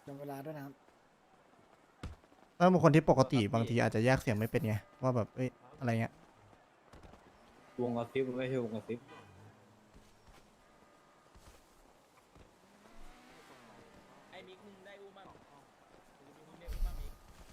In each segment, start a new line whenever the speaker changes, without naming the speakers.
จำเวลาด้วยนะครับ
ถ้าบางคนที่ปกติบางทีอาจจะแยกเสียงไม่เป็นไงว่าแบบเอ้ยอะไรเงี้ย
วงกระซิบมันไม่ใช่วงกระซิบไอ้มิกมึงได้อุ้มมั้งมึงได้อุ้มมั้งมิก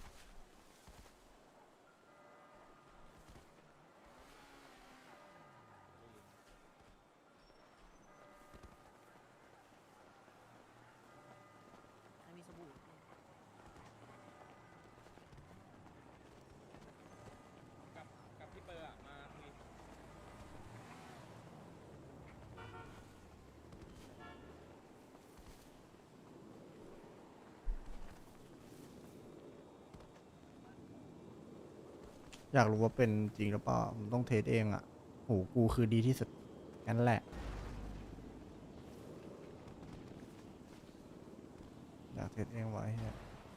กับพี่เปอร์อะมาคุย
อยากรู้ว่าเป็นจริงหรือเปล่าผมต้องเทสเองอ่ะหูกูคือดีที่สุดงั้นแหละอยากเทสเองไว้เนี่ย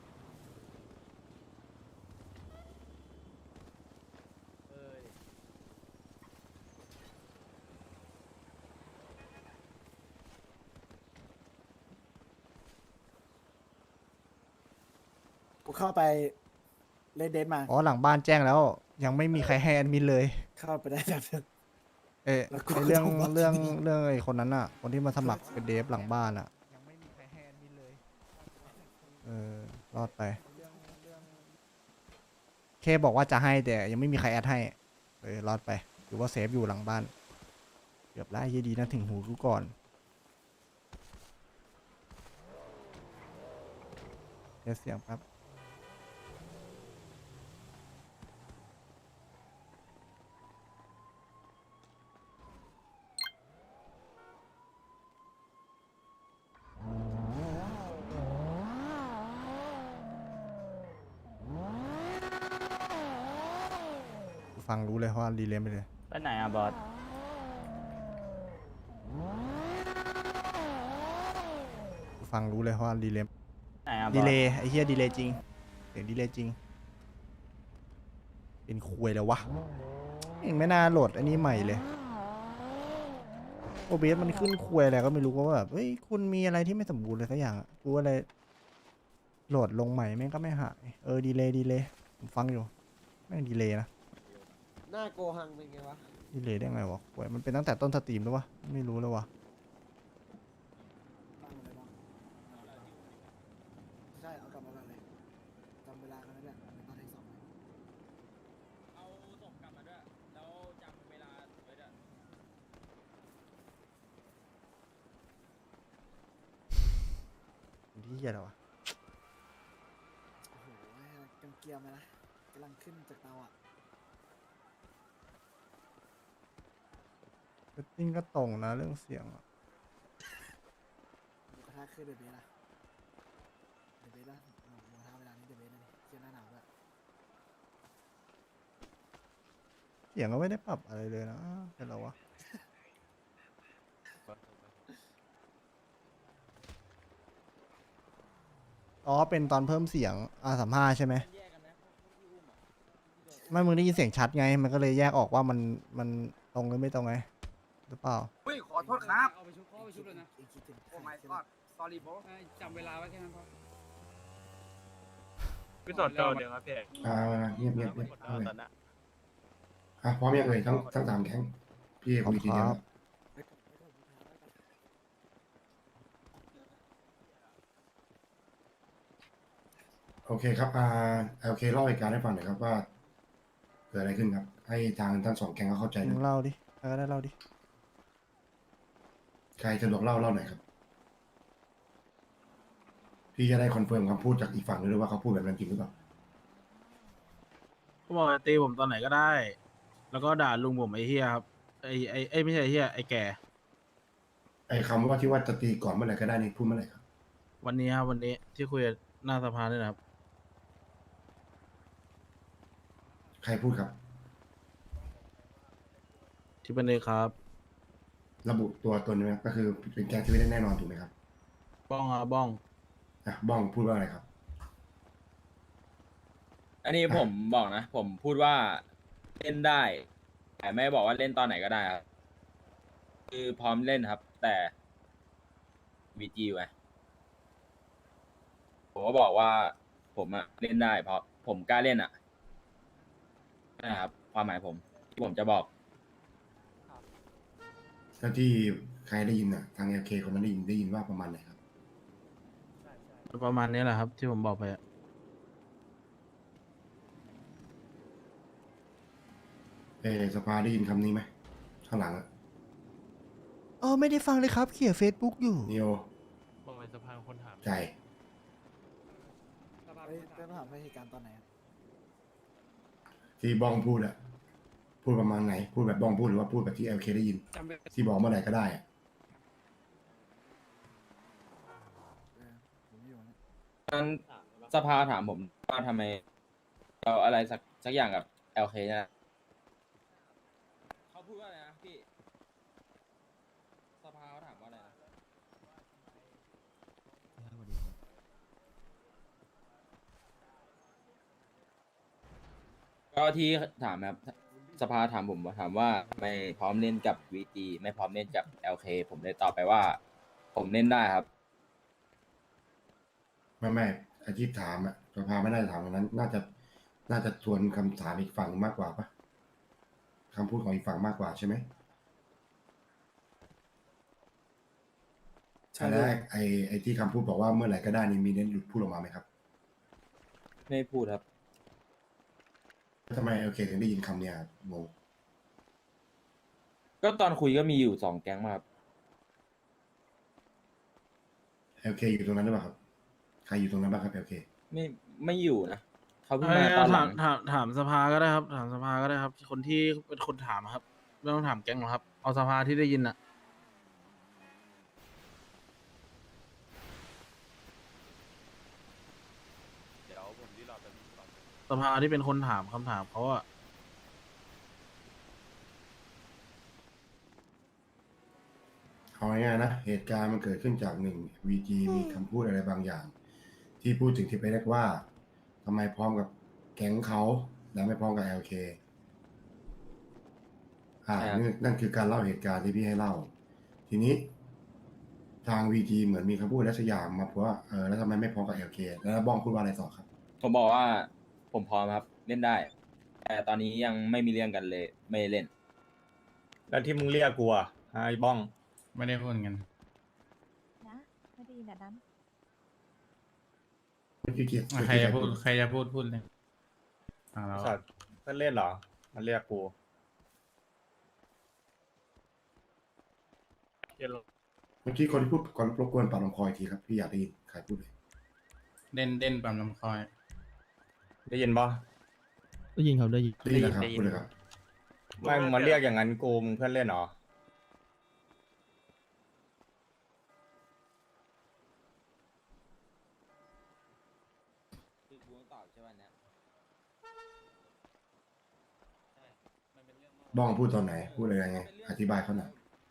กูเข้าไปเลดเดนมา
อ๋อหลังบ้านแจ้งแล้วยังไม่มีใครให้แอดมินเลย
เข้าไปได้แบบนึง
เอ้ย
แล้วกู
ไอเรื่อง
ก็ต้องมา
เรื่อง
ที่นี่
เรื่องไอคนนั้นอ่ะคนที่มาสมัครเป็นเดฟหลังบ้านอ่ะยังไม่มีใครให้แอดมินเลยรอดไปเคบอกว่าจะให้แต่ยังไม่มีใครแอดให้รอดไปหรือว่าเซฟอยู่หลังบ้านเกือบไล่ยี่ดีนะถึงหูกูก่อนเทสเสียงครับ ฟังรู้เลยว่ารีเลย์ไปเลย
ไปไหนอ่ะบอส
ฟังรู้เลยว่ารีเลย์
ไหนอ่ะบ
ดี
อส
เลย์ไอ้เหี้ยดีเลย์จริงเสียงดีเลย์จริงเป็นคุยแล้ววะเองไม่น่าโหลดอันนี้ใหม่เลยโอเบสมันขึ้นคุยอะไรก็ไม่รู้ว่าแบบเฮ้ยคุณมีอะไรที่ไม่สมบูรณ์เลยสักอย่างอะกูอะไรโหลดลงใหม่แม่งก็ไม่หายดีเลย์ดีเลย์ผมฟังอยู่แม่งดีเลย์นะ
หน้าโกหังเป็นไงวะ
ดีเลย์ได้ไงวะคุยมันเป็นตั้งแต่ต้นสตรีมแล้ววะไม่รู้แล้ววะ
ตั้งเลยเนาะใช่เอากลับมาเลยจำเวลากันแล้วเนี่ยตอนที่สองเลย
เอาส่งกลับมาด้วยแล้วจำเวลาไว้ด้วย
เป็นที่เหี้ยแล้ววะ
โอ้โหเกียมๆเลยนะกำลังขึ้นจากเตาอ่ะ
เซตติ้งก็ตรงนะเรื่องเสียงอะ
หมูกระทะคือเดอะเบสอะเดอะเบสอะหมูกระทะเวลานี้เดอะเบสเลยเที่ยหน้าหนาวด้วย
เสียงก็ไม่ได้ปรับอะไรเลยนะเป็นไรวะ อ๋อ เป็นตอนเพิ่มเสียงR35ใช่ไหม
แยกกันนะพวกที่อุ้มอ่ะ
ไม่มึงได้ยินเสียงชัดไง มันก็เลยแยกออกว่ามันตรงหรือไม่ตรงไงหรือเปล่า
อุ้ยขอโทษครับ
เอาไปชุบเขาเอาไปชุบเลยนะ
เองคิดถึง
โอ้
ใคร
my
ใช่ไหม
god sorry bro
จำเวลาไว้แค่นั้นพอ
พี่สดเจอเดี๋ยวครับพี่เอก
เงียบเงียบเงียบ
เอาตอนนั้น
พร้อมยังเอ่ยทั้งสามแข้งพี่คุยทีเดียว
ครับ
โอเคครับโอเคเล่าเหตุการณ์ให้ฟังหน่อยครับว่าเกิดอะไรขึ้นครับ ให้ทางทั้งสองแก๊งเขาเข้าใจห
มึ
น่อง ย
เล่าดิใครก็ได้เล่าดิ
ใครสะดวกเล่าหน่อยครับ พี่จะได้คอนเฟิร์มคำพูดจากอีกฝั่งด้วยว่าเขาพูดแบบนั้นจริงหรือเปล่า
เขาบอกจะตีผมตอนไหนก็ได้ แล้วก็ด่าลุงผมไอ้เฮียครับไอ้ไม่ใช่ไอ้เฮียไอ้แก่
ไอ้คำว่าที่ว่าจะตีก่อนเมื่อไหร่ก็ได้นี่พูดเมื่อไหร่ครับ
วันนี้ครับวันนี้ที่คุยกับหน้าสภาเนี่ยนะครับ
ใครพูดครับ
ที่เป็นเลยครับ
ระบุตัวตนไหมครับก็คือเป็นแก๊งที่ไม่ได้แน่นอนถูกไหมครับ
บ้องครับบ้อง
บ้องพูดว่าอะไรครับ
อันนี้ผมบอกนะ ผมพูดว่าเล่นได้ แต่ไม่บอกว่าเล่นตอนไหนก็ได้ครับ คือพร้อมเล่นครับ แต่วีจีไว้ผมก็บอกว่าผมอะเล่นได้ เพราะผมกล้าเล่นอะนะครับความหมายผมที่ผมจะบอก
แล้วที่ใครได้ยินอ่ะทาง LK คนนั้นได้ยินว่าประมาณไหนครับ
ประมาณนี้แหละครับ ที่ผมบอกไปอะ
สภาได้ยินคำนี้ไหมข้างหลังอะ
ไม่ได้ฟังเลยครับเขียน Facebook อยู่
นิโอ
บอกไปสภาคนถาม
ใจ
สภาพ
เฮ้ยเรื่องถามว่าเหตุการณ์ตอนไหนอะ
ที่บ้องพูดอะพูดประมาณไหน พูดแบบบ้องพูดหรือว่าพูดแบบที่ LK ได้ยิน
จำเป็น
ที่บอกเมื่อไหร่ก็ได้อะ
ผมไม่อยู่นะ
ตอนสภาถามผมว่าทำไมเราอะไรสักอย่างกับ LK เนี่ยเขาพูดว่าอะไรนะพี่ สภาเขาถามว่าอะไรนะก็ที่ถามครับสภาถามผมถามว่าไม่พร้อมเล่นกับ VG ไม่พร้อมเล่นกับ LK ผมเลยตอบไปว่า ผมเล่นได้ครับ
ไม่ไอที่ถามอะสภาไม่น่าจะถามตรงนั้น น่าจะทวนคำถามอีกฝั่งมากกว่าปะคำพูดของอีกฝั่งมากกว่าใช่ไหม
ใช่
อัน
เล
แร
ย
กไอที่คำพูดบอกว่าเมื่อไหร่ก็ได้นี่มีเน้นหลุดพูดออกมาไหมครับ
ไม่พูดครับ
ทำไม LK ถึงได้ยินคำเนี้ยครับงง
ก็ตอนคุยก็มีอยู่2 แก๊งมาครับ
LK อยู่ตรงนั้นหรือเปล่าครับ ใครอยู่ตรงนั้นบ้างครับ LK
ไม่อยู่นะเขาเพิ่ง
เอ้
มาย ตอนหลัง
ถามสภาก็ได้ครับ ถามสภาก็ได้ครับ คนที่เป็นคนถามอะครับไม่ต้องถามแก๊งหรอกครับ เอาสภาที่ได้ยินอะสภาที่เป็นคนถามคำถามเขาอะ
เอาง่ายๆนะ เหตุการณ์มันเกิดขึ้นจากหนึ่ง VG มีคำพูดอะไรบางอย่าง ที่พูดถึงที่ไปเรียกว่าทำไมพร้อมกับแก๊งเขาและไม่พร้อมกับ LK
ครับ
นั่นคือการเล่าเหตุการณ์ที่พี่ให้เล่า ทีนี้ ทาง VG เหมือนมีคำพูดอะไรสักอย่างมาเพราะว่าแล้วทำไมไม่พร้อมกับ LK แล้วบ้องพูดว่าอะไรต่อครับ
ผมบอกว่าผมพร้อมครับเล่นได้ แต่ตอนนี้ยังไม่มีเรื่องกันเลย ไม่เล่น
แล้วที่มึงเรียกกูอะไอ้บ้อง
ไม่ได้พูดกัน
นะไม่ได้ยินแบบนั้น
ใครจะพูดพูดเลยแล้ว
สัตว์เพื่อนเล่นเหรอ มันเรียกกู
เมื่อกี้คนที่พูดก่อนรบกวนปรับลำคอยทีครับ พี่อยากได้ยินใครพูดเลย
เด่นปั๊มลำคอย
ได้ยินปะ
ได้ยินครับได้ยิน
ได้ยินนะครับพูดเลยครับ
ไม่มึงมาเรียกอย่างนั้นกูมึงเพื่อนเล่นเหรอ
คือกูต้องตอบใช่ไหมเนี่ย
บ้องพูดตอนไหน พูดอะไรยังไง อธิบายเขาหน่อย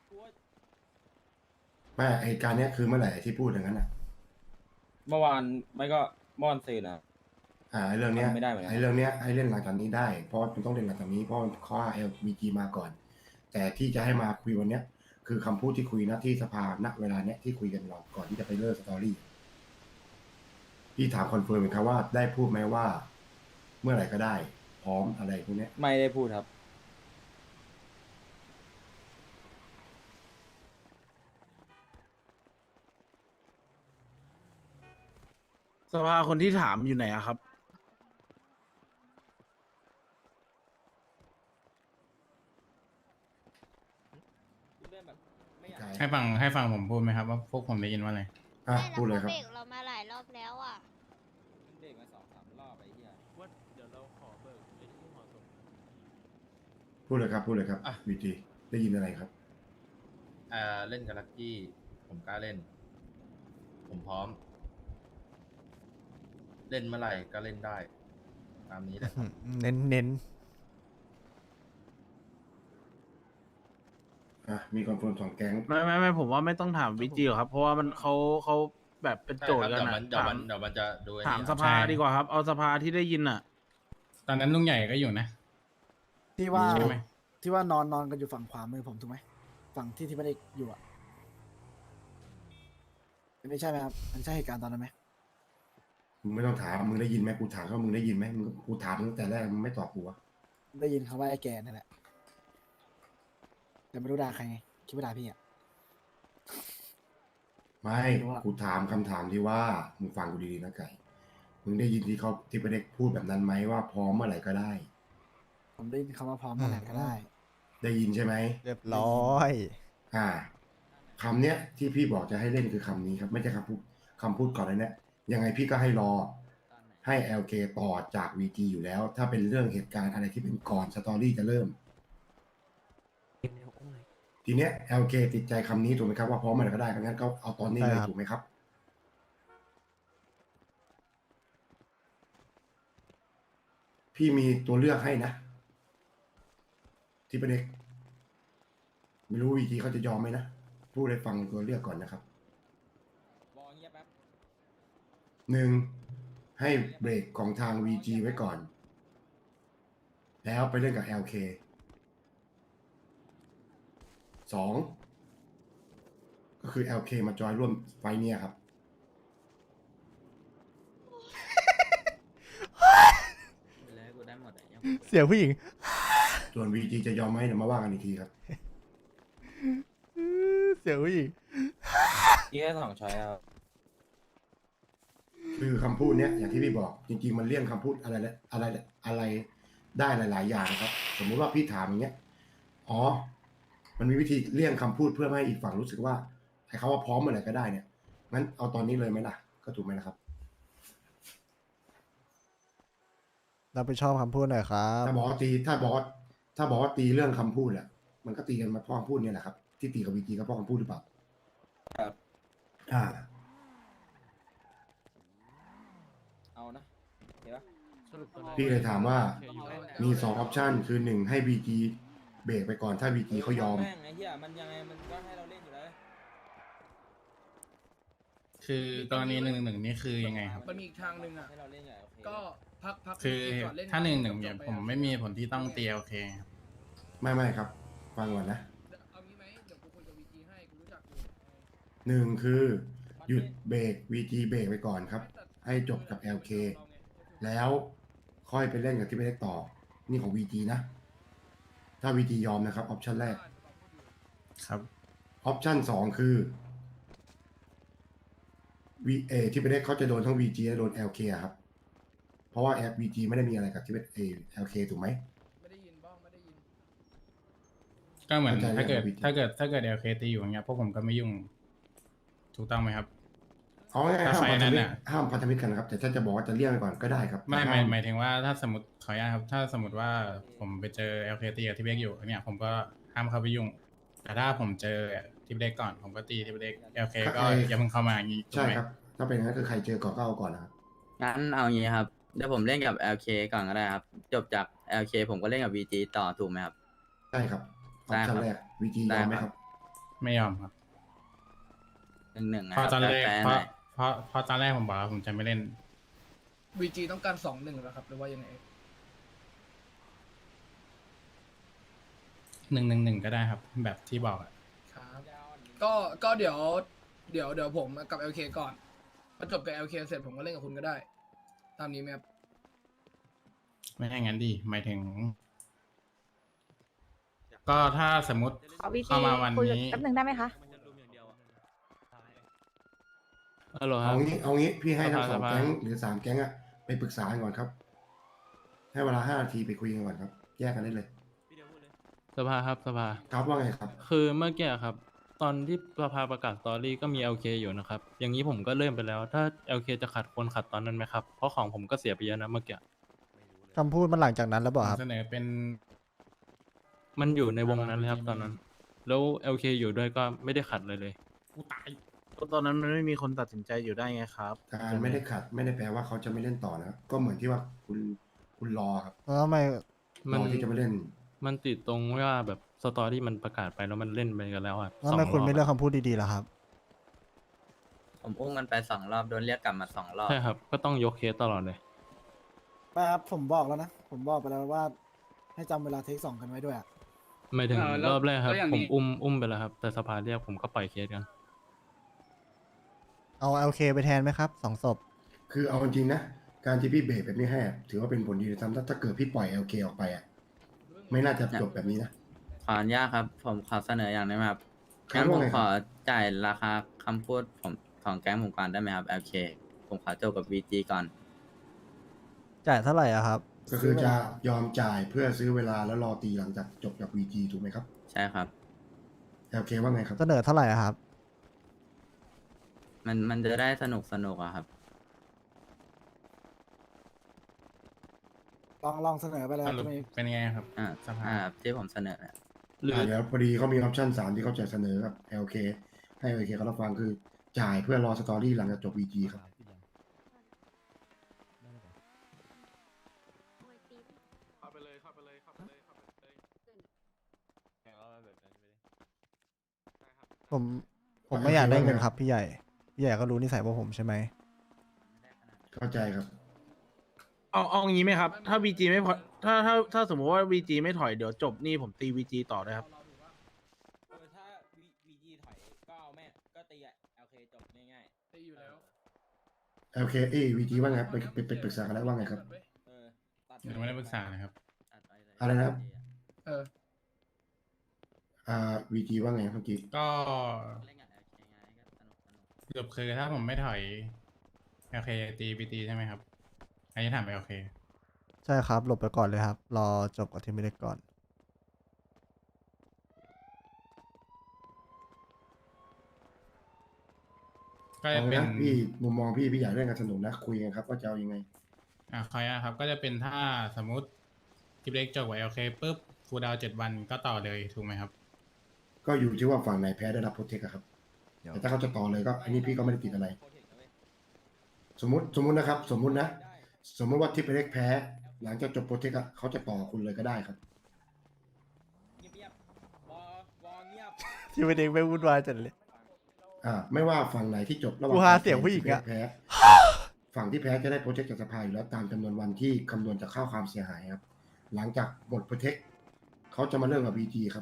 ไม่เหตุการณ์เนี้ยคือเมื่อไหร่ที่พูดอย่างนั้นอ่ะ
เมื่อวานไม่ก็เมื่อวานซืนนะครับ
ไอ้เรื่องเนี้ย
ทำไม่ได้เหมือนกัน
ไอ้เรื่องเนี้ยให้เล่นหลังจากนี้ได้ เพราะมันต้องเล่นหลังจากนี้เพราะข้อ LBG มาก่อน แต่ที่จะให้มาคุยวันเนี้ย คือคำพูดที่คุยณที่สภาณเวลาเนี้ยที่คุยกันเราก่อนที่จะไปเลิกสตอรี่พี่ถามคอนเฟิร์มไหมครับว่าได้พูดไหมว่า เมื่อไหร่ก็ได้ พร้อมอะไรพวกเนี้ย
ไม่ได้พูดครับ
สภาคนที่ถามอยู่ไหนอะครับ ให้ฟังผมพูดไหมครับว่าพวกผมได้ยินว่าอะไร
พูดเลยครับ
เบรกเรามาหลายรอบแล้วอ่ะ
เด็กมา2-3 รอบไอ้เหี้ย
ว่าเดี๋ยวเราขอเบิกไอ้ที่เหมาะสม
พูดเลยครับ พูดเลยครับวีจีได้ยินอะไรครับ
เล่นกับลักกี้ ผมกล้าเล่น ผมพร้อม เล่นเมื่อไหร่ก็เล่นได้ ตามนี้แหละครับ
เน้น
มีคอนเฟิร์ม2 แก๊ง
ไม่ผมว่าไม่ต้องถามวิจิหรอกครับ เพราะว่ามันเขาแบบเป็นโจทย์กัน
เดี๋ยว
อะ
มันเดี๋ยวมันจะดูไอ้
ถาม
นี่
สภาดีกว่าครับ เอาสภาที่ได้ยินอะตอนนั้นลุงใหญ่ก็อยู่นะ
ที่ว่า
ใช่ไหม
ที่ว่านอนกันอยู่ฝั่งขวามือผมถูกไหมฝั่งที่ไม่ได้อยู่อ่ะไม่ใช่ไหมครับมันใช่เหตุการณ์ตอนนั้นไหม
มึงไม่ต้องถามมึงได้ยินไหมกูถามว่ามึงได้ยินไหมมึงกูถามมึงตั้งแต่แรกมึงไม่ตอบกูวะ
ได้ยินคำว่าไอ้แกนั่นแหละแต่ไม่รู้ด่าใครไงคิดว่าด่าพี่อ่ะ
ไม่
ไม่รู้อะ
กูถามคำถามที่ว่ามึงฟังกูดีๆนะไก่มึงได้ยินที่เขาที่ประเด็กพูดแบบนั้นไหมว่าพร้อมเมื่อไหร่ก็ได้
ผมได้ยินคำว่าพร้อมเมื่อไหร่ก็ได้
ได้ยินใช่ไหม
เรียบร้อย
คำเนี้ยที่พี่บอกจะให้เล่นคือคำนี้ครับ ไม่ใช่คำพูดก่อนเลยเนี่ยยังไงพี่ก็ให้รอให้ LK ต่อจาก VG อยู่แล้ว ถ้าเป็นเรื่องเหตุการณ์อะไรที่เป็นก่อนสตอรี่จะเริ่ม ทีเนี้ย LK ติดใจคำนี้ถูกไหมครับว่าพร้อมเมื่อไหร่ก็ได้งั้นก็เอาตอนนี้เลยถูกไหมครับ พี่มีตัวเลือกให้นะ ที่ประเด็กไม่รู้ VG เขาจะยอมไหมนะพูดให้ฟังตัวเลือกก่อนนะครับ
บอกเงียบแป๊บ
หนึ่งให้เบรกของทาง VG ไว้ก่อน แล้วไปเล่นกับ LK สองก็คือ LK มาจอยร่วมไฟท์เนี่ยครับ
เสียงผู้หญิง
ส่วน VG จะยอมไหมเดี๋ยวมาว่ากันอีกทีครับ
เสียงผู้หญิง
นี่แค่2 ช้อยครับ
คือคำพูดเนี้ยอย่างที่พี่บอก จริงๆมันเลี่ยงคำพูดอะไรได้หลาย ๆ อย่างนะครับ สมมุติว่าพี่ถามอย่างเงี้ยอ๋อมันมีวิธีเลี่ยงคำพูดเพื่อไม่ให้อีกฝั่งรู้สึกว่าไอ้คำว่าพร้อมเมื่อไหร่ก็ได้เนี่ยงั้นเอาตอนนี้เลยไหมล่ะก็ถูกไหมล่ะครับ
รับผิดชอบคำพูดหน่อยครับ
ถ้าบอกว่าตีเรื่องคำพูดแหละมันก็ตีกันมาเพราะคำพูดเนี่ยแหละครับที่ตีกับวีจีก็เพราะคำพูดหรือเปล่า
ครับ
อ่า
เอานะเห็นปะ
พี่เลยถามว่ามี2 ออปชันคือ1ให้วีจีเบรกไปก่อนถ้าวีจีเขายอม
แม่งไอ้เหี้ยมันยังไงมันก็ให้เราเล่นอยู่แล้ว
คือกรณี111นี่คือยังไงครับ
มันมีอีกทางหนึ่งอ่ะ
ให้เราเล่นอย่างโอเค
ก็พัก
คือ
ก่นเล่น
ถ้า111
จ
เนี่ย
บๆไป
ผมไม่มีผลที่ต้องตีโอเคครับ
ไม่ครับ ฟังก่อนนะ
เอางี้ไหมเดี๋ยวกูคุยกับวีจีให้กูรู้จักอยู่
1คือหยุดเบรกวีจีเบรกไปก่อนครับ ให้จบกับ LK แล้วค่อยไปเล่นกับที่ไม่ได้ต่อ นี่ของ VG นะ ถ้า VG ยอมนะครับ ออปชันแรก
ครับ
ออปชัน2คือ VA ที่ไม่ได้เขาจะโดนทั้ง VG และโดน LK อะครับ เพราะว่า VG ไม่ได้มีอะไรกับที่เป็น LK ถูกไหม
ไม่ได้ยินบ้องไม่ได้ยิน
ก็เหมือน
เข้าใจ
ถ้าเกิด
แล้ว
ถ้าเกิดโอเคตีอยู่อย่างเงี้ยพวกผมก็ไม่ยุ่ง ถูกต้องไหมครับ
เอาง่ายๆ
ถ้า
ห้าม
ไฟ
พันธ
นั้น
มิต
น่ะ
รห้ามพันธมิตรกันนะครับ แต่ถ้าจะบอกว่าจะเลี่ยงไปก่อนก็ได้ครับ
ไม่
แต่ห้
หมายถึงว่าถ้าสมมติขออนุญาตครับ ถ้าสมมติว่าผมไปเจอ LK ตีกับที่เบกอยู่เนี่ยผมก็ห้ามเข้าไปยุ่ง แต่ถ้าผมเจอที่เบกก่อน ผมก็ตีที่เบก LK ก็อย่าเพิ่งเข้ามาอย่างงี้ถูก
ใช่
ไหม
ครับ ถ้าเป็นอย่างนั้นคือใครเจอก่อนก็เอาก่อนนะครับ
งั้นเอางี้ครับ เดี๋ยวผมเล่นกับ LK ก่อนก็ได้ครับ จบจาก LK ผมก็เล่นกับ VG ต่อถูกไหมครับ
ใช่ครับ ออปชันแรก VG ย
ได้
อมไหม
ค
ค
รั
รับ บ
ไม่ยอมครับ
1-1นะ
เพราะตอนแรก
แฟร์ๆ
เพ
ห
ราะ
น่อย
เพราะตอนแรกผมบอกว่าผมจะไม่เล่น
วีจีต้องการ2-1แล้วครับหรือว่ายังไง
111ก็ได้ครับ แบบที่บอกอะ
ครับก็เดี๋ยวผมกับ LK ก่อนพอจบกับ LK เสร็จผมก็เล่นกับคุณก็ได้ ตามนี้ไหมครับ
ไม่ให้งั้นดีหมายถึง ก็ถ้าสมมติ
ขอวีจี
เข้ามาวัน
คุย
นี้
แป๊บหนึ่งได้ไหมคะ
ฮัลโหลครั
เอา
บ
งี้พี่ให้ทั้ง
ส
2
ภา
แก๊งหรือ 3 แก๊งอะไปปรึกษากันก่อนครับ ให้เวลา 5 นาทีไปคุยกันก่อนครับ แยกกันได้เลย
สภาครับสภา
ครับว่าไงครับ
คือเมื่อกี้ครับ ตอนที่สภาประกาศสตอรี่ก็มี LK อยู่นะครับ อย่างนี้ผมก็เริ่มไปแล้ว ถ้า LK จะขัดคนขัดตอนนั้นไหมครับ เพราะของผมก็เสียไปเยอะนะเมื่อกี้
คำพูดมันหลังจากนั้นแล้วเปล่าครับ
เสนอเป็น
มันอยู่ในวงนั้นเลยครับตอนนั้น แล้ว LK อยู่ด้วยก็ไม่ได้ขัดเลย
กูตายตอนนั้นมันไม่มีคนตัดสินใจอยู่ได้ไงครับ
การไม่ได้ขัดไม่ได้แปลว่าเขาจะไม่เล่นต่อนะครับ ก็เหมือนที่ว่าคุณรอครับ
แล้วทำไม
รอที่จะไม่เล่น
มันติดตรงว่าแบบสตอรี่มันประกาศไปแล้วมันเล่นไปกันแล้วอ่ะ
แล้วทำไมคุณไม่เลือก
สงรบ
คำพูดดีๆล่ะครับ
ผมอุ้มมันไป2 รอบโดนเรียกกลับมา2 รอบ
ใช่ครับ ก็ต้องยกเคสตลอดเลย
ไม่ครับผมบอกแล้วนะ ผมบอกไปแล้วว่า ให้จำเวลาเทค2กันไว้ด้วยอะ
ไม่ถึง
แล้ว
รอบแรกครับ
แล้วอย่าง
ผม
นี้
อุ้มไปแล้วครับ แต่สภาเรียกผมก็ปล่อยเคสกัน
เอา LK ไปแทนไหมครับ2 ศพ
คือเอาจริงๆนะการที่พี่เบรกแบบนี้ให้อะถือว่าเป็นผลดีเลยซ้ำถ้าเกิดพี่ปล่อย LK ออกไปอ่ะไม่น่าจะจบแบบนี้นะ
ขออนุญาตครับ ผมขอเสนออย่างได้ไหมครับ
ครับ
งั้นผม
ว่าไง
ข
ครั
อบ จ่ายราคาคำพูดผมของแก๊งผมก่อนได้ไหมครับ LK ผมขอจบกับ VG ก่อน
จ่ายเท่าไหร่อะครับ
ก็คือจะยอมจ่ายเพื่อซื้อเวลาแล้วรอตีหลังจากจบจาก VG ถูกไหมครับ
ใช่ครับ
LK ว่าไงครับ
เสนอเท่าไหร่อะครับ
มันจะได้สนุกอะครับ
ลองเสนอไปเลย
สรุป
ทำไม
เป็นยังไงครับ
อ่า
สภา
ที่ผมเสนอนะ
หรือ
เดี๋ยวพอดีเขามีออปชั่น3ที่เขาจะเสนอกับ LK ให้ LK เขารับฟังคือจ่ายเพื่อรอสตอรี่หลังจากจบ VG ครับ
เข้าไปเลยเข้าไปเลยเข้าไปเลยเข้าไปเลย
ผมไม่อยากได้เงินครับพี่ใหญ่ พี่ใหญ่ก็รู้นิสัยพวกผมใช่ไหม
เข้าใจครับ
เอางี้ไหมครับ ถ้า VG ไม่พอถ้าสมมติว่า VG ไม่ถอยเดี๋ยวจบนี่ผมตี VG ต่อได้ครับ
ถ้า VG ถอยก็เอาแม่ก็ตีอะ LK จบง่าย
ตีอยู่แล้ว
LK VG ว่าไงครับไปปรึกษากันแล้วว่าไงครับ
ๆตัด
ยังไม่ได้ปรึกษานะครับ
อะไรนะครับ
เออ
VG ว่าไงเมื่อกี้
ก็สรุปคือถ้าผมไม่ถอย LK ตี VG ใช่ไหมครับ อันนี้ถาม LK
ใช่ครับ หลบไปก่อนเลยครับ รอจบกับทีมเล็กก่อน
ก็จะ
เอา
เป็น
นะพี่มุมมองพี่อยากเล่นกันสนุกนะคุยกันครับว่าจะเอายังไง
ขออนุญาตครับ ก็จะเป็นถ้าสมมติทีเล็กจบกับ LK ปุ๊บฟูลดาวน์7 วันก็ต่อเลยถูกไหมครับ
ก็อยู่ที่ว่าฝั่งไหนแพ้ได้รับโปรเทคครับ แต่ถ้าเขาจะต่อเลยก็อันนี้พี่ก็ไม่ได้ติดอะไร สมมตินะครับ สมมติว่าทิปเล็กแพ้ หลังจากจบโปรเทคอะเขาจะต่อคุณเลยก็ได้ครับ
เงียบๆวอเงียบ
ทีมเล็กไม่วุ่นวายจัดเลย
ไม่ว่าฝั่งไหนที่จบระหว่าง
กูหาเสียงผู้หญิงอะ
แพ้ ฝั่งที่แพ้จะได้โปรเทคจากสภาอยู่แล้วตามจำนวนวันที่คำนวณจากค่าความเสียหายครับ หลังจากหมดโปรเทคเขาจะมาเริ่มกับ VG ครับ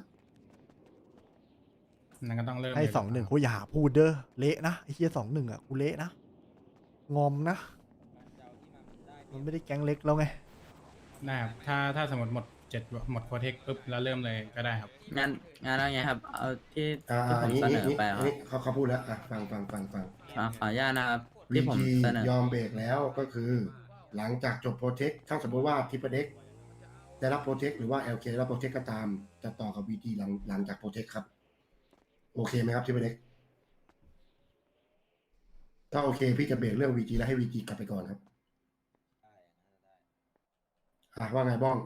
นั่นก็ต้องเริ่ม
ให้
เลย
2-1กูอย่าพูดเด้อ เละนะไอ้เฮีย2-1อะกูเละนะ งอมนะ มันไม่ได้แก๊งเล็กแล้วไง
ได้ครับถ้าสมมติหมดโปรเทคปุ๊บแล้วเริ่มเลยก็ได้ครับ
งั้นอะไรไงครับ เอาที่
อั
ผ
น
ม
นี้
เสนอไปค
อั
รั
น
บ
นี้เขาพูดแล้วฟัง
ขออนุญาตนะครับ ที่ผม
VG
เสนอ
ยอมเบรกแล้วก็คือ หลังจากจบโปรเทคถ้าสมมติว่าทิปเด็กได้รับโปรเทคหรือว่า LK ได้รับโปรเทคก็ตาม จะต่อกับ VG หลังจากโปรเทคครับ โอเคไหมครับทิปเด็กถ้าโอเคพี่จะเบรกเรื่อง VG แล้วให้ VG กลับไปก่อนครับว่าไงบ้อง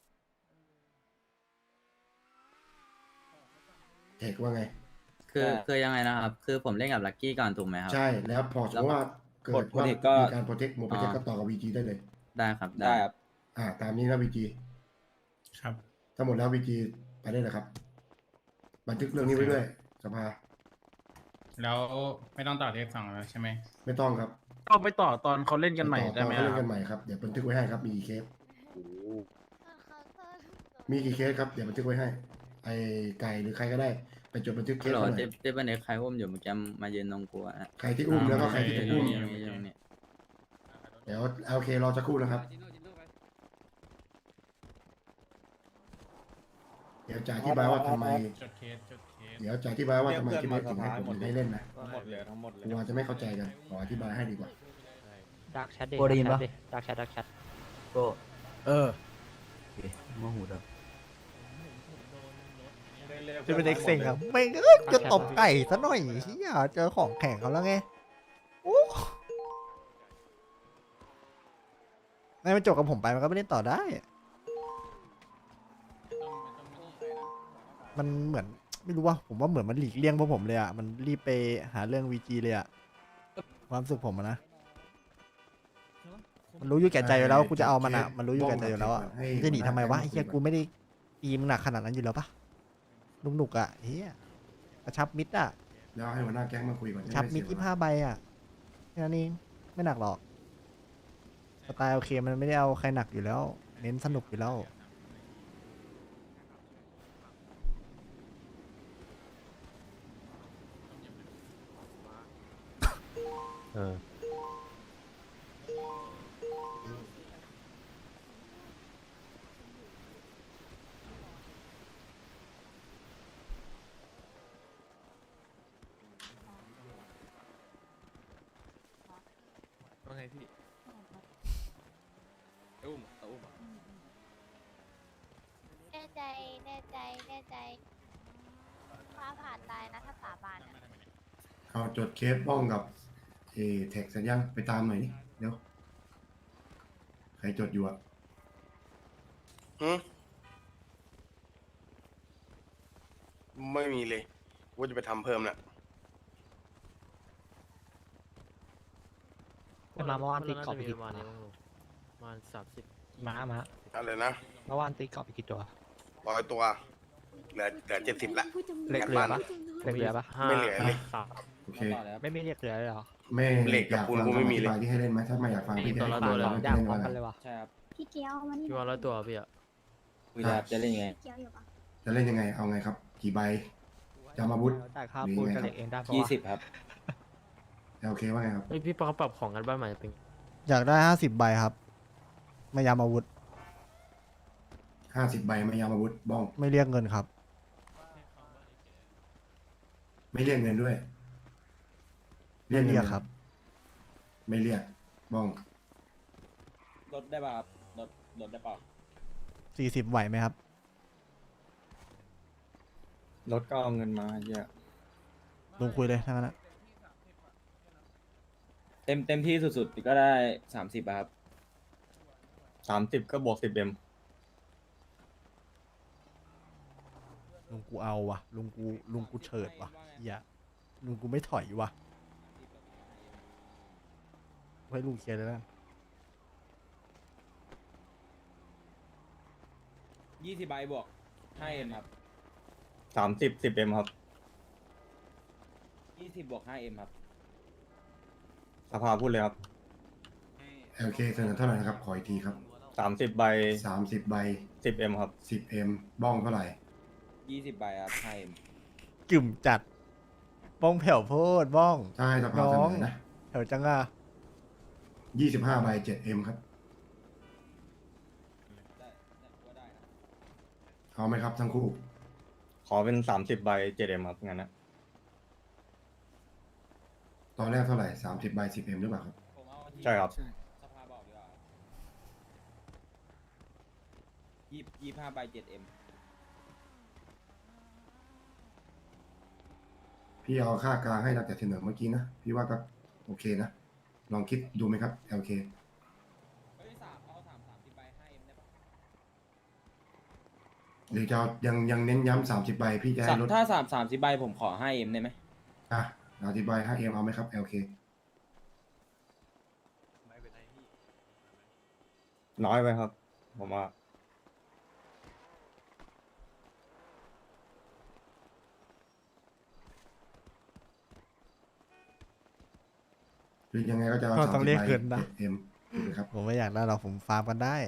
เทคว่าไง
คือยังไงนะครับ คือผมเล่นกับลักกี้ก่อนถูกไหมครับ
ใช่แล้วพอสมมติว่าเกิดว่า
Protect ก็
มีการโปรเทคหมดโปรเทค
อ๋อ
ก็ต่อกับ VG ได้เลย
ได้ครับ
ได้ครับ
ตามนี้นะ VG
ครับ
ถ้าหมดแล้ว VG ไปได้เลยครับ บันทึกเรื่องนี้ไว้ด้วยสภา
แล้วไม่ต้องต่อเทค 2แล้วใช่ไหม
ไม่ต้องครับ
ก็ไปต่อตอนเขาเล่นกันใหม่ได้ไหม
เขา
ค
เล่น
รั
กับ นใหม่ครับเดี๋ยวบันทึกไว้ให้ครับมีกี่เคสมีกี่เคสครับเดี๋ยวบันทึกไว้ให้ ไอไก่หรือใครก็ได้ไปจดบันทึกเค
ฮัล
ส
โหล
ไว้หน่
เจ๊
อย
เจ๊เป็นเด็กใครอุ้มอยู่เมื่อกี้มายืนตรงกูอะ
ใครที่อุ้มแล้วก็ใครที่ถูกอุ้ม
ตรงนี้ตรงนี้
เดี๋ยวโอเครอสักครู่นะครับ เดี๋ยวจะอธิบายว่าทำไม
จดเคส
เดี๋ยวจะอธิบายว่าทำไมที่ไม่ถึงให้ผมให้เล่นนะ
ทั้งหมดเลยทั้งหมดเลย
กลัวจะไม่เข้าใจกันขออธิบายให้ดีกว่า
ดักแชทดิ
โกได้ยินปะ
ดักแชท
โมโหดับ
เรียก
ทีมเล็กเซ็งครับไม่จะตบไก่ซะหน่อยเฮียเจอของแข่งเขาแล้วไงโอ้ไม่มันจบกับผมไปมันก็ไม่เล่นต่อได้ มันเหมือนไม่รู้ว่าผมว่าเหมือนมันหลีกเลี่ยงพวกผมเลยอ่ะมันรีบไปหาเรื่อง VG เลยอ่ะความรู้สึกผมอะนะมันรู้อยู่แก่ใจอยู่แล้วว่ากูจะเอามันอ่ะมันรู้อยู่แก่ใจอยู่แล้วอ่ะมันจะหนีทำไมวะไอ้เหี้ยกูไม่ได้ตีมึงหนักขนาดนั้นอยู่แล้วปะลุงหนุกอ่ะเฮียกระชับมิดอ่ะ
แล้วให้หัวหน้าแก๊งมาคุยก่อน
กระชับมิด25 ใบอ่ะแค่นั้นเองไม่หนักหรอกสไตล์โอเคมันไม่ได้เอาใครหนักอยู่แล้ว เน้นสนุกอยู่แล้ว
พี่
แน่ใจแน่ใจแน่ใจฟ้าผ่าตายนะถ้าสาบานอะ
เอาจดเคสบ้องกับแท็กสัญญาณไปตามหน่อยนี่เดี๋ยวใครจดอยู่อะ
ไม่มีเลยว่าจะไปทำเพิ่มน่ะ
มาเมื่อวานตีกรอบไปกี่ตัวมา30มา
อะไรนะ
เมื่อวานตีกรอบไปกี่ตัว
100 ตัว เหลือ70ละ
เหล็กเหลือปะเหล็กเหลือปะ
ไม่เหลือเลย
โอเค
ไม่มีเหล็กเหลือเลยเหรอ
แม่
เหล็กกับปูนกูไม่มีเลย
อากฟังคำอธิบาที่ให้เล่นไหมถ้าไม่อยากฟังพี่จะให้ฟัง
ตัวละ
ไม่
ด่าง
เล่น
พร้อ
ว่าม
กันเลยวะ
ใช่ครับ
พี่เกียวมานี่
พี่วันละตัวพี่อะ
คุยได้ครับจะเล่นยังไง
เกียวอยู่ปะ
จะเล่นยังไงเอาไงครับ กี่ใบจะมาบุตร
ได้ค่าปูนกับเหล็กเองได้ปะวะ
20 ครับ
โอเคว่าไงครับ
เฮ้ยพี่ปอปรับของกันบ้านใหม่เป็น
อยากได้50 ใบครับ ไม่ยามอาวุธ
50 ใบไม่ยามอาวุธบ้อง
ไม่เรียกเงินครับ
ไม่เรียกเงินด้วย
ไม่เรียกครับ
ไม่เรียกบ้อง
ลดได้ป่ะครับลดได้ป่ะ
40 ไหวไหมครับ
รถก็เอาเงินมาเยอะ
ลุงคุยเลยทั้งนั้นนะ
เต็มที่สุดๆก็ได้30ครับ
30 ก็บวก10
ลุงกูเอาว่ะ ลุงกูเฉิดว่ะเฮียลุงกูไม่ถอยว่ะให้ลุงเคลียร์เลยนะ
20 ใบบวก5M ครับ
30 10M ครับ
20 บวก 5M ครับ
สภาพูดเลยครับ
โอเคเสนอเท่าไหร่นะครับ ขออีกทีครับ
30 ใบ
30 ใบ
10M ครับ
10M บ้องเท่าไหร่
20 ใบครับ 5M
กึ่มจัด บ้องแผ่วโพดบ้อง
ถ้าให้สภาเสนอนะ
แถวจังอ่ะ
25 ใบ 7M ครับ เอาไหมครับทั้งคู่
ขอเป็น 30 ใบ 7M ครับงั้นนะ
ตอนแรกเท่าไหร่ 30 ใบ 10M หรือเปล่าครับ
ใช่ครับ
ใช่
สภาบอกดีกว่า25 ใบ 7M
พี่เอาค่ากลางให้ตั้งแต่เสนอเมื่อกี้นะ พี่ว่าก็โอเคนะ ลองคิดดูไหมครับ LK
เฮ้ยเอา30 ใบ 5M ได้ปะ
หรือจะเอายังเน้นย้ำ30 ใบ พี่จะให้ลด
ถ้า30 ใบผมขอ 5M ได้ไหม
อ่ะ30 ใบ 5M เอาไหมครับ LK
น้อยไปครับ ผมว่า
หรือยังไงก็จะเอา
ก็ต้อง
30
เรียก
ใบ
เงินนะ
7M ถูกไหมครับ
ผมไม่อยากได้หรอกผมฟาร์มกันได้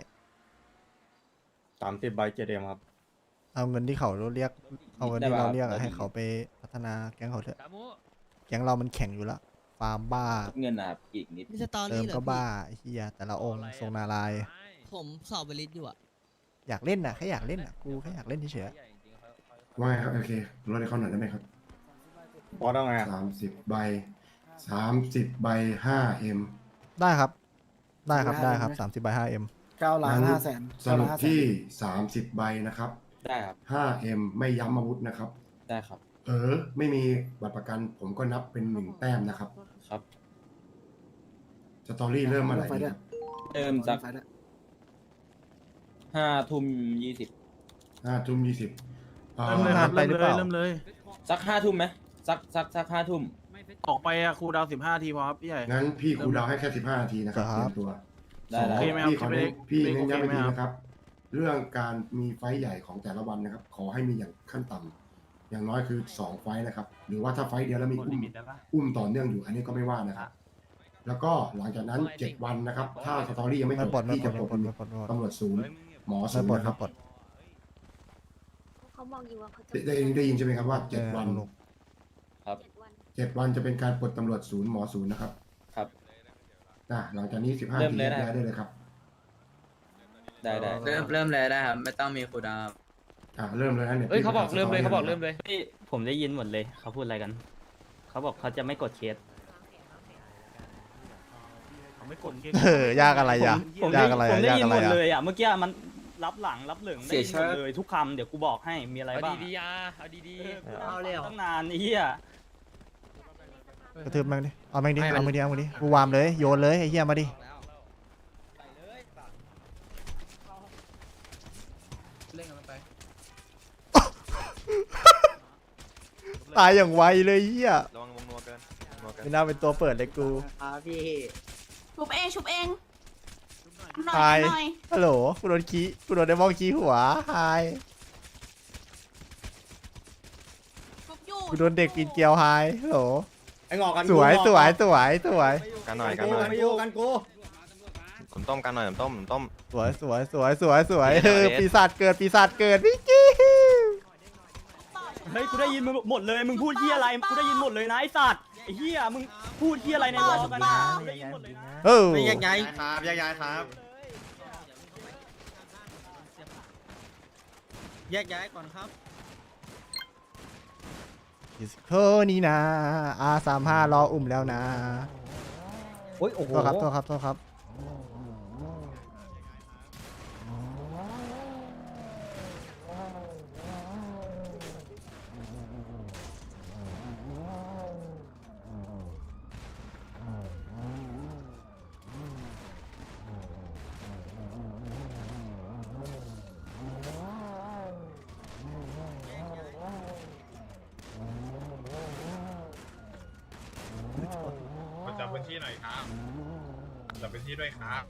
30 ใบ 7M ครับ
เอาเงินที่เขาเรียก เอาเงินที่เราเรียกอะให้เขาไปพัฒนาแก๊งเขาเถอะ แก๊งเรามันแข่งอยู่แล้ว ฟาร์มบ้า
เงินนะครับอีกนิด
มีสตอ
เติ
รี่
ม
เหรอ
ก็
พี่
บ้าไอ้เฮียแต่ละองค์ทรงนารายณ์
ผมสอบบริษอยู่อะ
อยากเล่นน่ะแค่อยากเล่นน่ะกูแค่อยากเล่นเฉย
ว่าไงครับ LK ลดให้เขาหน่อยได้ไหมครับ
พอต้องไงอะ
30 ใบ 30 ใบ 5M
ๆได้ครับ ได้ครับได้ครับ30 ใบ 5M
9 ล้าน 5 แสน
สรุปที่ 30 ใบนะครับ
ได้ครับ
5M ไม่ย้ำอาวุธนะครับ
ได้ครับ
ไม่มีบัตรประกันผมก็นับเป็น1 แต้มนะครับ
ครับ
สตอรี่เริ่มเมื่อไหร่
ไฟ
ดี
ด้
คว รับ
เริ่มจาก
ไฟด้วย
5 ทุ่ม 20
5 ทุ่ม 20
เริ่มเลยครับ
นานไปหรือเปล่า
เริ่มเลย
สัก 5 ทุ่มไหมสัก5 ทุ่ม
ออกไปอะครูดาว15 ทีพอครับพี่ใหญ่
งั้นพี่ครูดาวให้แค่ 15 นาทีนะครับ
ค
เต
รับ
รียมตัว
ได้
สอง
ได้
โอเคไหมครับ
พี่ขอเน้นพี่
พี่
เน้นย้ำ
โอ
อี
เค
ก
ไหม
ที
ครับ
นะครับ เรื่องการมีไฟท์ใหญ่ของแต่ละวันนะครับ ขอให้มีอย่างขั้นต่ำอย่างน้อยคือ2 ไฟท์นะครับ หรือว่าถ้าไฟท์เดียวแล้วมีอุ้มต่อเนื่องอยู่ อันนี้ก็ไม่ว่านะครับ แล้วก็หลังจากนั้น 7 วันนะครับ ถ้าสตอรี่ยังไม่จ
ไม่
บ
ปลดไม่
พี่
ปล
จะ
ด
ปล
ไม่
ด
ปลดไม่ปลดไม่ปลด
ตำรวจศูนย์หมอศู
ไม่
นย์
ปลด
นะค
ไม่
รับ
ปลด
เขาบอกอยู่ว่าเขาจะ
ได้ยินใช่ไหมครับว่า 7 วัน
ลูก
ครับ
7 วันจะเป็นการปลดตำรวจศูนย์หมอศูนย์นะครับ
ครับ
หลังจากนี้ 15
เริ่
นาม ที
เลย
แยก
นะ
ย้ายได้เลยครับ
ได้
เริ่มเลยได้ครับ ไม่ต้องมีครูดาว
เริ่มเลยนะเนี่ย
เอ้ยเขาบอก
พี่
เริ่มเลย
สต
เขาบอก
นะ
เริ่มเลยพี่ผมได้ยินหมดเลยเขาพูดอะไรกัน เขาบอกเขาจะไม่กดเคส
โ
ไม่กดเกม
ยากอะไรอ่ะ
ผม
ยากอะไร
ผม
อ่ะ
ได้
ยาก
ยิน
อะไร
หมด
อ่ะ
เลยอ่ะเมื่อกี้มันรับหลังรับเหลืองได้ยินหมดเลยทุกคำเดี๋ยวกูบอกให้มีอะไรบ้าง
เอาดี
เอาเลยตั้งนานไอ้เหี้ย
กระทืบแม่งดิเอาแม่งดิเอามือดิเอามือดิกูวามเลยโยนเลยไอ้เหี้ยมาดิ
เล่นกันมันไป
ตายอย่างไวเลยเหี้ย
ระวังวงนัวเกินนัวเกิน
ไม่น่าเป็นตัวเปิดเลยกู
พี่
ชุบเองชุบเองหน่
ไฮ
อยหน่อย
ฮัลโหลกูโดนขี้กูโดนไดมอนขี้หัวไฮ
ชุบอยู่
กูโดนเด็กกินเกียวไฮฮัลโหล
ไอ้งอกกัน
สวยสวยสวยสวย
กันหน่อยกันหน่อย
ไม่อยู่กันกู
ผมต้มกันหน่อยผมต้ม
สวยสวยสวยสวยสวย
เดช
ปีศาจเกิดปีศาจเกิดพี่กี้
เฮ้ยกูได้ยินมึงหมดเลยมึงพูดเหี้ยอะไรกูได้ยินหมดเลยนะไอ้สัตว์ไอ้เหี้ยมึงพูดเหี้ยอะไรในวอลกันนะกูได้ยินหมดเลยนะ
เออ
ไม่แยกย้ายครับแยกย้ายครับแยกย้ายก่อนครับ
ดิสโคนี่นะR35รออุ้มแล้วนะ
โอ้ยโอ้โห
โทษครับโทษครับโทษครับ
จับพื้นที่หน่อยครับจับพื้นที่ด้วยครับ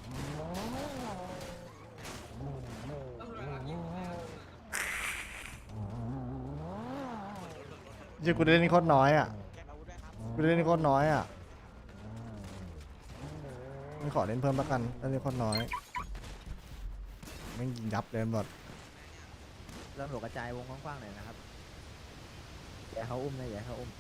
เดี๋ยวกูได้เล่นโคตรน้อยอ่ะกูได้เล่นโคตรน้อยอ่ะไม่ขอเล่นเพิ่มละกันเล่นโคตรน้อยแม่งยิงยับเลยหมด
เริ่มหลกระจายวงกว้างๆหน่อยนะครับอย่าเขาอุ้มนะอย่าเขาอุ้ม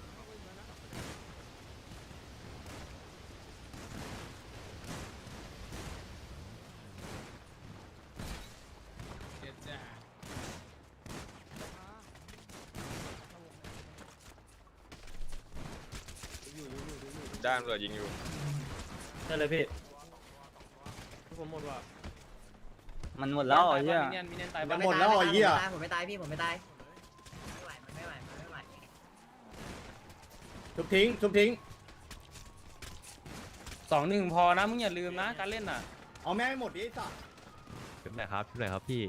ด้านเรือยิงอยู่
ได้เลยพี่
ผมหมดว่ะ
มันหมดแล้วไอ้เหี้ย
มีเนียนตาย
มันหมดแล้วไอ้เหี้ย
ผมไม่ตายพี่ผมไม่ตาย
ชุบทิ้งชุบทิ้ง
2-1พอนะมึงอย่าลืมนะการเล่นน่ะ
เอาแม่งให้หมดดิไอ้สัส
ชุบไหนครับชุบไหนครับพี่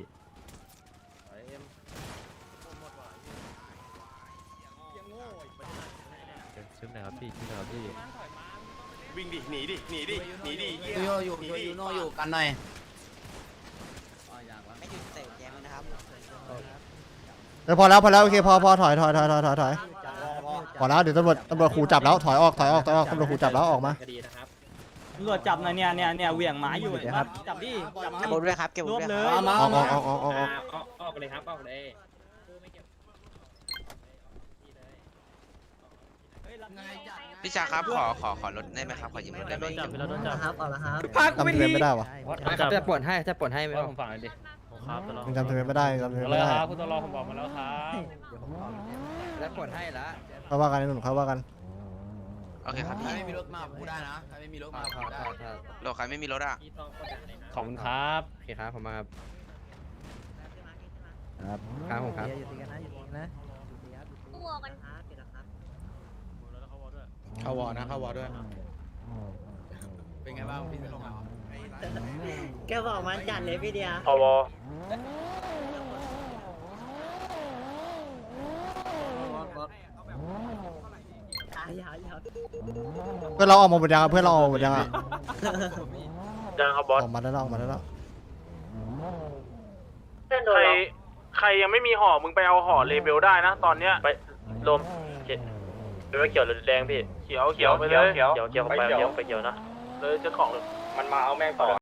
ชุบไหนครับพี่ชุบไหนครับพี่
วิ่งดิหนีดิหนีดิหนีดิเหี้ย
อยู่โนอยู่กันหน่อย
เดี๋ยวพอแล้วโอเคพอถอยพอแล้วเดี๋ยวตำรวจขู่จับแล้วถอยออกตำรวจขู่จับแล้วออกมา
ตำรวจจับหน่อยเนี่ยเหวี่ยงหมาอยู่จับดิจับดิ
เก็บบุญด้วยครับเก็บบุญ
รวบ
ด้วย
เลย
ออก
ออกเลยครับออกเลย
พี่ชาครับขอรถได้ไหมครับขอยืมรถได้ไหม
โดนจับไปแล้วโดนจับ
ครับเอาละครับ
จำทะเบียนไม่ได้วะ
จะปวดให้ไม่ต้องฟังเลยดิ
ครับตลอด
ยังจำทะเบียนไม่ได้จำทะเบียน
แล้
ไม่
ว
ได้
ครับคุณตลอผมบอกมาแล้วครับ
แล้วปวดให้ละ
เขาว่ากันไอ้หนุ่มเขาว่ากัน
โอเคครับ
ใคร
พี่
ไม่มีรถมาพูดได้นะใครไม่มีรถมาพูดได้
โลใครไม่มีรถอ่ะ
ขอบคุณครับโอเคครับผมมาครับ
ครับผมครับอยู่ตีกันนะอยู่ตีกันนะ
ตัวกัน
เข้าวอนะเข้าวอด้วย
เป็นไงบ้างพี่เป็นลงแกบอกมันจัดเลยพี่เดีย
พอวอ
เพื่อนเราออกมาหมดยังอะเพื่อนเราออกมาหมดยังอะ
ยังครับบอส
ออกมาได้แล้วออกมาได้แล้ว
ใครยังไม่มีห่อมึงไปเอาห่อเลเบลได้นะตอนเนี้ย
ไปลมเป็นว่าเขียวหรือแดงพี่
เขียวไปเลย
เขียวไปเขียวนะ
เลยเจ้าของ
มันมาเอาแม่งต่อ